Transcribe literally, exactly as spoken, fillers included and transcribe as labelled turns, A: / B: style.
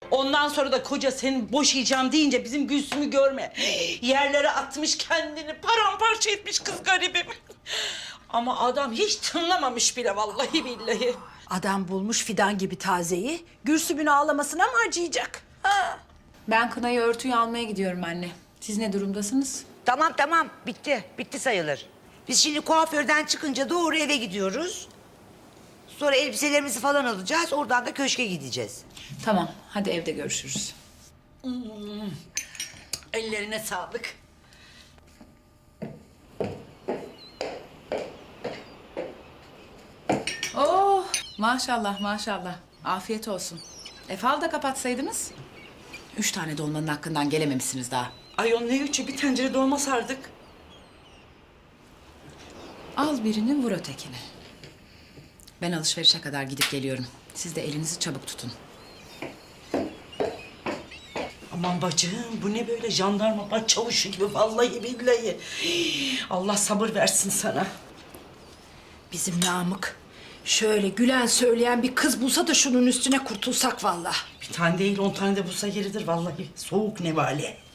A: Ondan sonra da koca seni boşayacağım deyince bizim Gülsüm'ü görme. Yerlere atmış kendini, paramparça etmiş kız garibim. Ama adam hiç tınlamamış bile vallahi billahi.
B: Adam bulmuş fidan gibi tazeyi. Gülsüm'ün ağlamasına mı acıyacak? Ha?
C: Ben kınayı örtüyü almaya gidiyorum anne. Siz ne durumdasınız?
D: Tamam tamam bitti. Bitti sayılır. Biz şimdi kuaförden çıkınca doğru eve gidiyoruz. Sonra elbiselerimizi falan alacağız. Oradan da köşke gideceğiz.
C: Tamam, hadi evde görüşürüz.
A: Ellerine sağlık.
C: Oh, maşallah maşallah. Afiyet olsun. E fal da kapatsaydınız. Üç tane dolmanın hakkından gelememişsiniz daha.
A: Ayol ne üçü, bir tencere dolma sardık.
C: Al birini vur ötekini. Ben alışverişe kadar gidip geliyorum. Siz de elinizi çabuk tutun.
A: Aman bacım, bu ne böyle jandarma başçavuşu gibi vallahi billahi. Allah sabır versin sana.
B: Bizim Namık şöyle gülen söyleyen bir kız bulsa da şunun üstüne kurtulsak vallahi.
A: Bir tane değil, on tane de bulsa yeridir vallahi. Soğuk nevale.